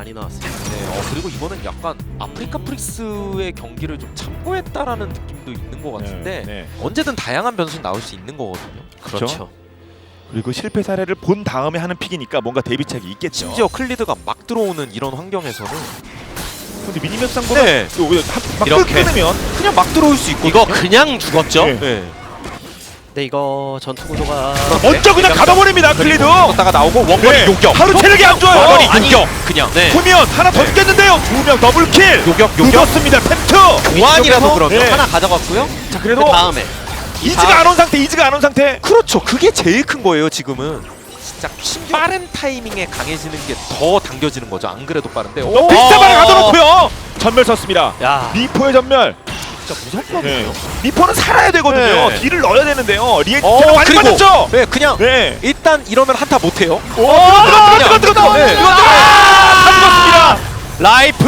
많이 나왔습니다. 네, 그리고 이거는 약간 아프리카 프릭스의 경기를 좀 참고했다라는 느낌도 있는 것 같은데 네. 언제든 다양한 변수 나올 수 있는 거거든요. 그렇죠. 그리고 실패 사례를 본 다음에 하는 픽이니까 뭔가 대비책이 있겠죠. 심지어 클리드가 막 들어오는 이런 환경에서는 근데 미니맵 상보다 네. 막 이렇게. 끊으면 그냥 막 들어올 수 있거든요. 이거 그냥 죽었죠? 네. 네. 근데 이거 전투 구도가 먼저 그냥 가둬버립니다. 클리드. 걷다가 나오고 원거리 네. 요격. 하루 체력이 안 좋아요. 원거리 아니, 요격. 그냥. 네. 보면 하나 더 죽겠는데요. 2명 더블킬. 요격. 늦었습니다. 템트. 교환이라서 그러면 네. 하나 가져갔고요. 자 그 그래도 다음에 이즈가 안 온 상태. 이즈가 안 온 상태. 그렇죠. 그게 제일 큰 거예요. 지금은. 진짜 빠른 타이밍에 강해지는 게 더 당겨지는 거죠. 안 그래도 빠른데. 너 비슷한 발에 가둬놓고요. 전멸 썼습니다. 야 미포의 전멸. 진짜 무섭거든요. 미포는 살아야 되거든요. 네. 딜을 넣어야 되는데요. 리엔트가 어, 많이 그리고 맞았죠. 네, 그냥 네. 일단 이러면 한타 못 해요. 오, 뜨거. 네. 다 라이프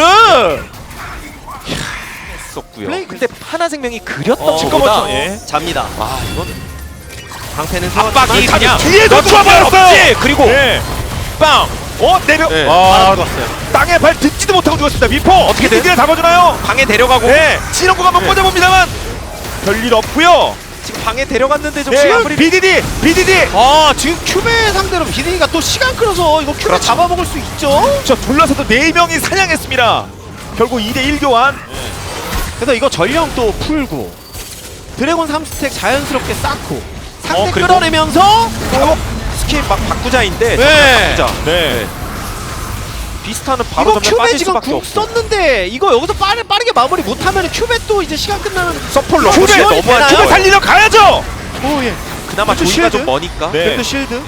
했었고요. 플레이 근데 하나생명이 그렸던 어, 것보다 죽었죠. 예. 잡니다. 아, 이건 방패는 압박이 세웠지만 그냥 뒤에서 멈출 수 죽어버렸어요. 없지. 그리고 네. 빵. 내려. 네. 아, 들어갔어요. 땅에 발 딛지도 못하고 죽었습니다. 미포 어떻게 돼? 딜 잡아주나요? 방에 데려가고 네. 진원구가 한번 네. 꽂아봅니다만 별일 없고요. 지금 방에 데려갔는데 좀 네. 시간 뿌리. BDD. 아 지금 큐베 상대로 비딩이가 또 시간 끌어서 이거 큐베 그렇죠. 잡아먹을 수 있죠. 저 둘러서도 4명이 사냥했습니다. 결국 2대1 교환. 그래서 이거 전령 또 풀고 드래곤 3스택 자연스럽게 쌓고 상대 그리고? 끌어내면서 스킬 막 바꾸자인데 네. 바꾸자. 네. 비스타는 바로 이거 전면 큐베 빠질 지금 수밖에 궁 없고. 썼는데 이거 여기서 빠르게 마무리 못하면 큐베 또 이제 시간 끝나는 서폴 큐베 러시에 너무 너무한 되나요? 큐베 거 살리러 가야죠. 오예 그나마 또 조이가 쉴드? 좀 머니까. 네. 네. 쉴드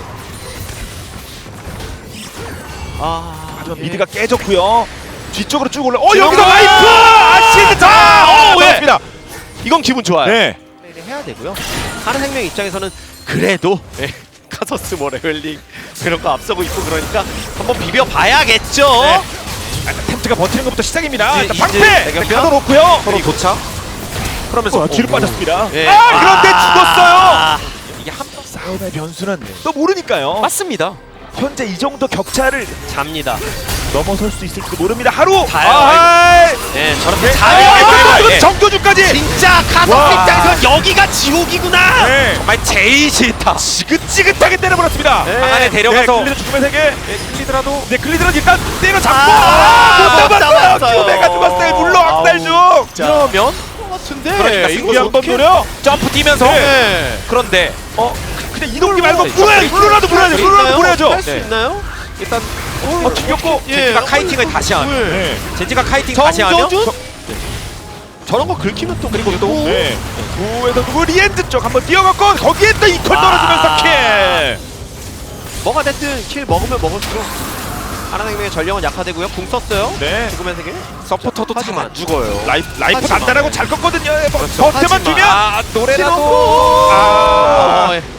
하지만 미드가 깨졌고요. 뒤쪽으로 쭉 올라. 지금 여기서 아! 와이프! 아시드 자! 예. 맞습니다. 이건 기분 좋아요. 네. 플레이를 해야 되고요. 하는 생명 입장에서는 그래도 카서스 뭐 레벨링 그런 거 앞서고 있고 그러니까 한번 비벼봐야겠죠. 네. 템트가 버티는 것부터 시작입니다. 이제 일단 이제 방패 대결편? 가둬놓고요. 서로 도착. 그러면서 뒤로 빠졌습니다. 예. 그런데 죽었어요. 아, 이게 한 번 싸움의 변수는 또 모르니까요. 맞습니다. 현재 이 정도 격차를 잡니다. 넘어설 수 있을지도 모릅니다. 하루. 자요. 네. 저렇게 아, 정교주까지. 진짜 카서스 와. 입장에서 여기가 지옥이구나. 네. 정말 제일 싫다. 지긋지긋하게 때려버렸습니다. 네. 방 안에 데려가서 클리드 죽음의 세계. 클리드라도 네, 클리드는 일단 때려잡고 아, 못 잡았어요. 잡았어요. 큐베가 죽었어요. 물로 악살 중. 이러면 같은데. 그러니까 이거 한번 노려. 점프 뛰면서 네. 그런데 그냥 이동기 말고 네, 물어야지. 물로라도 물어야죠. 물로라도 물어야죠. 할수 네. 있나요? 일단 죽였고. 젠지가 카이팅을 다시 하면 네. 젠지가 카이팅 다시 하면 정조준? 저런 거 긁히면 또 그리고 또 네. 구에서 누구 리엔드 쪽 한번 뛰어갔고 거기에 또 이퀄 떨어지면서 킬. 뭐가 됐든 킬 먹으면 먹을수록 하나생명의 전령은 약화되고요. 궁 썼어요. 네. 죽음의 세계. 서포터도 잘 하지만 안 죽어요. 라이프 하지만. 간단하고 잘 껐거든요. 그렇죠. 버텨만 하지만. 주면. 노래라도 아. 예.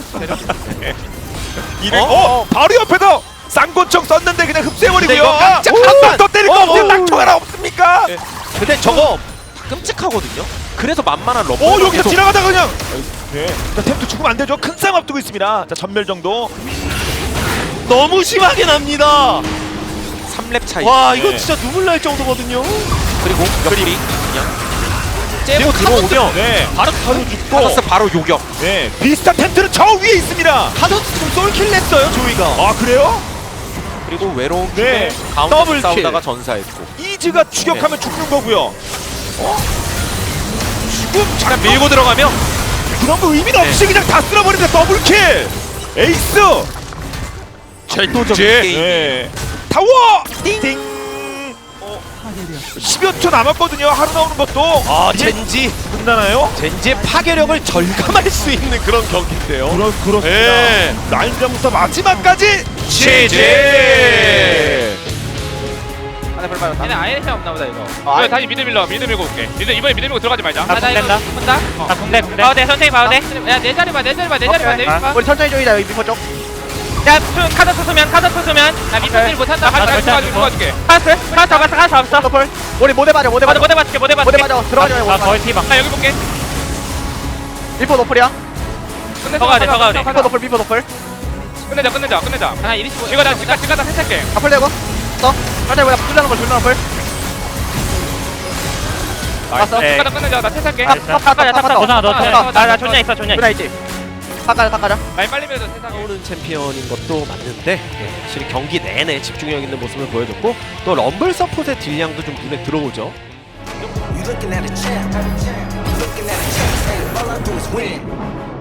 이를 바로 옆에서 쌍권총 썼는데 그냥 근데 흡수해버리고요. 이거 깜짝 한 깜짝- 번더 때릴 거 어, 없어요. 어, 낙총 하나 없습니까? 근데 저거 끔찍하거든요. 그래서 만만한 러브. 오 여기서 지나가다 그냥. 네. 자, 템도 죽으면 안 되죠. 큰 싸움 앞두고 있습니다. 자 전멸 정도. 너무 심하게 납니다. 3렙 차이. 와 이거 네. 진짜 눈물 날 정도거든요. 그리고 옆구리 그냥 째고 들어오면 네. 바로 죽고. 카더스 바로 요격. 네. 비슷한 텐트는 저 위에 있습니다. 카서스 지금 솔킬 냈어요 조이가. 아 그래요? 그리고 외로운 네. 팀에 가운데 더블 싸우다가 킬. 전사했고. 이즈가 추격하면 죽는 거고요. 죽음 그냥 밀고 들어가면 그런 거 의미는 없이 그냥 다 쓸어버립니다. 더블킬. 에이스. 절도적인 게임. 네. 타워. 띵. 10여 초 남았거든요. 하루 나오는 것도. 아 이제 젠지 끝나나요? 젠지의 파괴력을 절감할 수 있는 그런 경기인데요. 그렇습니다. 예. 라인전부터 마지막까지 제제. 얘네 아예 해 없나 보다 이거. 아, 이거 다시 미드 밀러. 미드 밀고 올게. 미드 이번에 미드 밀고 들어가지 말자. 나 궁된다. 한다. 나 궁대 궁대. 봐도 돼. 선생님 봐도 돼. 야, 내 자리 봐. 내 자리 봐. 내 자리 봐. 내 자리 봐. 우리 천천히 조이자 여기 미포 쪽. 야, 카드 쓰면 나 미드 딜 못한다. 나 같이 절대 도와줄게. 카드 잡았어. 서플. 우리 모대 맞아 모대 맞아. 모대 맞게. 모대 맞아. 들어가지 말고. 나 거의 피방. 나 여기 볼게. 미포 노플이야. 더 가야 돼. 미포 노플 미포 노플. 끝내자. 하나 25. 이거 나 지가 다 세차게. 앞을 내고. 없어. 살짝 그냥 불나는 걸 불나는 걸. 봤어. 네. 가자 끊으자. 나 퇴사할게. 가자. 나 존냐 있어 존냐 있어. 불나 있지. 가자. 많이 빨리 밀어서 퇴사하게. 오는 챔피언인 것도 맞는데 확실히 경기 내내 집중력 있는 모습을 보여줬고 또 럼블 서폿의 딜량도 좀 눈에 들어오죠. You looking at a champ. You looking at a champ. All I do is win.